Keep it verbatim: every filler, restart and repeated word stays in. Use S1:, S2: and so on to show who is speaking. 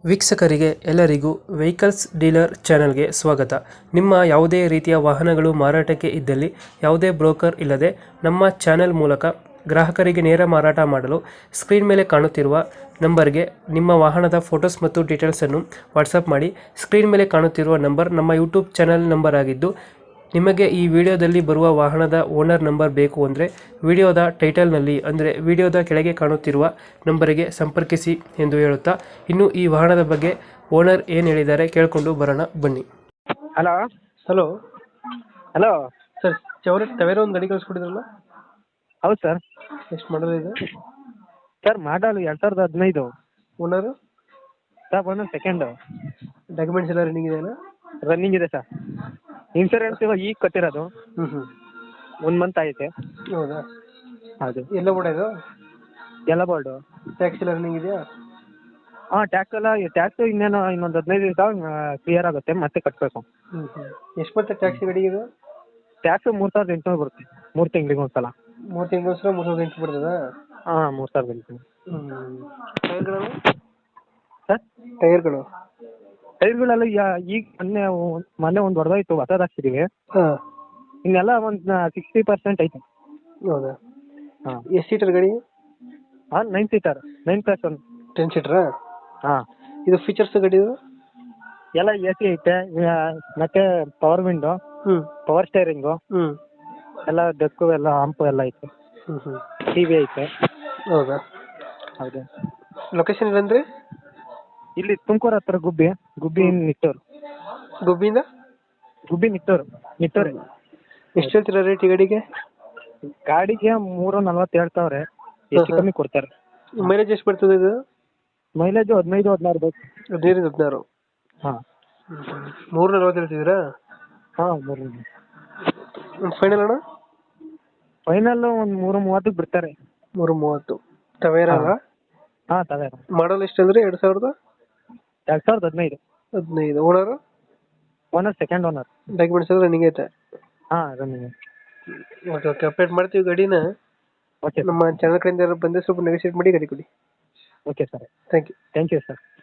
S1: ವೀಕ್ಷಕರಿಗೆ ಎಲ್ಲರಿಗೂ vehicles dealer ಚಾನೆಲ್ಗೆ ಸ್ವಾಗತ. ನಿಮ್ಮ ಯಾವುದೇ ರೀತಿಯ ವಾಹನಗಳು ಮಾರಾಟಕ್ಕೆ ಇದ್ದಲ್ಲಿ ಯಾವುದೇ ಬ್ರೋಕರ್ ಇಲ್ಲದೆ ನಮ್ಮ ಚಾನೆಲ್ ಮೂಲಕ ಗ್ರಾಹಕರಿಗೆ ನೇರ ಮಾರಾಟ ಮಾಡಲು ಸ್ಕ್ರೀನ್ ಮೇಲೆ ಕಾಣುತ್ತಿರುವ ನಂಬರ್ಗೆ ನಿಮ್ಮ ವಾಹನದ ಫೋಟೋಸ್ ಮತ್ತು ಡೀಟೇಲ್ಸನ್ನು ವಾಟ್ಸಪ್ ಮಾಡಿ. ಸ್ಕ್ರೀನ್ ಮೇಲೆ ಕಾಣುತ್ತಿರುವ ನಂಬರ್ ನಮ್ಮ ಯೂಟ್ಯೂಬ್ ಚಾನೆಲ್ ನಂಬರ್ ಆಗಿದ್ದು, ನಿಮಗೆ ಈ ವಿಡಿಯೋದಲ್ಲಿ ಬರುವ ವಾಹನದ ಓನರ್ ನಂಬರ್ ಬೇಕು ಅಂದರೆ ವಿಡಿಯೋದ ಟೈಟಲ್ನಲ್ಲಿ ಅಂದರೆ ವಿಡಿಯೋದ ಕೆಳಗೆ ಕಾಣುತ್ತಿರುವ ನಂಬರಿಗೆ ಸಂಪರ್ಕಿಸಿ ಎಂದು ಹೇಳುತ್ತಾ, ಇನ್ನು ಈ ವಾಹನದ ಬಗ್ಗೆ ಓನರ್ ಏನು ಹೇಳಿದ್ದಾರೆ ಕೇಳಿಕೊಂಡು ಬರೋಣ ಬನ್ನಿ.
S2: Hello
S1: hello
S2: hello
S1: sir, Chevrolet Tavera ಒಂದು ಗಾಡಿ ಕಳಿಸ್ಕೊಟ್ಟಿದ್ರಲ್ಲ,
S2: ಹೌದು ಸರ್.
S1: ಎಷ್ಟು ಮಾಡಲ್ ಇದೆ
S2: ಸರ್ ಮಾಡಲ್ ಎರಡು ಸಾವಿರದ ಹದಿನೈದು.
S1: ಓನರು?
S2: ಸರ್ ಒಂದು ಸೆಕೆಂಡು
S1: ಡಾಕ್ಯುಮೆಂಟ್ಸ್ ಎಲ್ಲ ರನ್ನಿಂಗ್ ಇದೆಯಲ್ಲ?
S2: ರನ್ನಿಂಗ್ ಇದೆ ಸರ್. ಇನ್ಸೂರೆನ್ಸ್ ಇವಾಗ ಈಗ ಕಟ್ಟಿರೋದು,
S1: ಹ್ಞೂ ಹ್ಞೂ
S2: ಒಂದು ಮಂತ್ ಐತೆ.
S1: ಹೌದಾ?
S2: ಹೌದು.
S1: ಎಲ್ಲ ಕೂಡ ಇದು
S2: ಎಲ್ಲ ಬೋರ್ಡು.
S1: ಟ್ಯಾಕ್ಸ್ ಎಲ್ಲ ರನ್ನಿಂಗ್ ಇದೆಯಾ?
S2: ಹಾಂ, ಟ್ಯಾಕ್ಸ್ ಎಲ್ಲ ಟ್ಯಾಕ್ಸು ಇನ್ನೇನು ಇನ್ನೊಂದು ಹದಿನೈದು ದಿವಸ ಕ್ಲಿಯರ್ ಆಗುತ್ತೆ, ಮತ್ತೆ ಕಟ್ಟಬೇಕು.
S1: ಹ್ಞೂ ಹ್ಞೂ ಎಷ್ಟು ಬರುತ್ತೆ ಟ್ಯಾಕ್ಸ್ ಗಾಡಿಗೆ ಇದು?
S2: ಟ್ಯಾಕ್ಸು ಮೂರು ಸಾವಿರದ ಎಂಟುನೂರು ಬರುತ್ತೆ, ಮೂರು ತಿಂಗಳಿಗೆ ಒಂದು ಸಲ.
S1: ಮೂರು ತಿಂಗಳಿಗೋಸ್ಕರ ಮೂರು ಸಾವಿರದ ಎಂಟು ಬರ್ತದಾ?
S2: ಹಾಂ, ಮೂರು ಸಾವಿರದ ಎಂಟು.
S1: ಹ್ಞೂ. ಟೈರ್ಗಳು
S2: ಸರ್
S1: ಟೈರ್ಗಳು
S2: ಟೈರ್ಗಳೆಲ್ಲ ಯಾ- ಈಗ ಮೊನ್ನೆ ಮೊನ್ನೆ ಒಂದು ಹೊಡೆದೋಯ್ತು, ಹೊಸದು ಹಾಕ್ಸಿದ್ದೀವಿ.
S1: ಹಾಂ.
S2: ಇನ್ನೆಲ್ಲ ಒಂದು ಸಿಕ್ಸ್ಟಿ ಪರ್ಸೆಂಟ್ ಐತೆ.
S1: ಹೌದಾ?
S2: ಹಾಂ.
S1: ಎಷ್ಟು ಸೀಟರ್ ಗಾಡಿ?
S2: ಹಾಂ, nine seater, nine plus one.
S1: Ten ಸೀಟ್ರಾ?
S2: ಹಾಂ.
S1: ಇದು ಫೀಚರ್ಸ್ ಗಾಡಿದು?
S2: ಎಲ್ಲ ಎ ಸಿ ಐತೆ, ಆ, ಮತ್ತೆ ಪವರ್ ವಿಂಡೋ,
S1: ಹ್ಞೂ
S2: ಪವರ್ ಸ್ಟೇರಿಂಗು,
S1: ಹ್ಞೂ
S2: ಎಲ್ಲ ಡೆಕ್ಕು ಎಲ್ಲ ಹಂಪು ಎಲ್ಲ ಐತೆ.
S1: ಹ್ಞೂ ಹ್ಞೂ
S2: ಟಿ ವಿ ಐತೆ.
S1: ಹೌದಾ?
S2: ಹೌದು.
S1: ಲೊಕೇಶನ್ ಇಲ್ಲಂದ್ರೆ
S2: ಇಲ್ಲಿ ತುಮಕೂರು ಹತ್ರ ಗುಬ್ಬಿ, ಗುಬ್ಬಿ ನಿಟ್ಟೂರು.
S1: ಗುಬ್ಬಿಯಿಂದ
S2: ಗುಬ್ಬಿ ನಿಟ್ಟೂರು ನಿಟ್ಟೂರು
S1: ಎಷ್ಟು ಹೇಳ್ತೀರಾ ರೇಟ್ ಈ ಗಾಡಿಗೆ?
S2: ಗಾಡಿಗೆ ಮೂರು ನಲ್ವತ್ತು ಹೇಳ್ತಾವ್ರೆ, ಹೆಚ್ಚು ಕಮ್ಮಿ ಕೊಡ್ತಾರೆ.
S1: ಮೈಲೇಜ್ ಎಷ್ಟು ಬರ್ತದೆ ಇದು?
S2: ಮೈಲೇಜು ಹದಿನೈದು ಹದಿನಾರು ಬೇಕು.
S1: ಹದಿನೈದು ಹದಿನಾರು.
S2: ಹಾಂ.
S1: ಮೂರು ನಲ್ವತ್ತು ಹೇಳ್ತಿದ್ದೀರಾ?
S2: ಹಾಂ, ಮೂರು
S1: ಒಂದು ಫೈನಲ್ ಅಣ್ಣ?
S2: ಫೈನಲ್ಲು ಒಂದು ಮೂರು ಮೂವತ್ತಕ್ಕೆ ಬಿಡ್ತಾರೆ.
S1: ಮೂರು ಮೂವತ್ತು. ಟವೇರಾ ಅಲ್ಲ?
S2: ಹಾಂ, ತವೆ.
S1: ಮಾಡಲ್ ಎಷ್ಟು ಅಂದರೆ ಎರಡು ಸಾವಿರದ
S2: ಎರಡು ಸಾವಿರದ ಹದಿನೈದು.
S1: ಹದಿನೈದು. Owner?
S2: Owner second owner.
S1: Documents ಎಲ್ಲ ರನ್ನಿಂಗ್ ಐತೆ?
S2: ಹಾಂ, ರನ್ನಿಂಗ್.
S1: ಓಕೆ ಓಕೆ ಅಪ್ಡೇಟ್ ಮಾಡ್ತೀವಿ ಗಾಡಿನ.
S2: ಓಕೆ
S1: ನಮ್ಮ ಚಾನಲ್ ಕಡೆಯಿಂದ ಬಂದರೆ ಸ್ವಲ್ಪ ನೆಗೋಸಿಯೇಟ್ ಮಾಡಿ ಗಾಡಿ ಕೊಡಿ.
S2: Okay sir.
S1: Thank you.
S2: Thank you sir.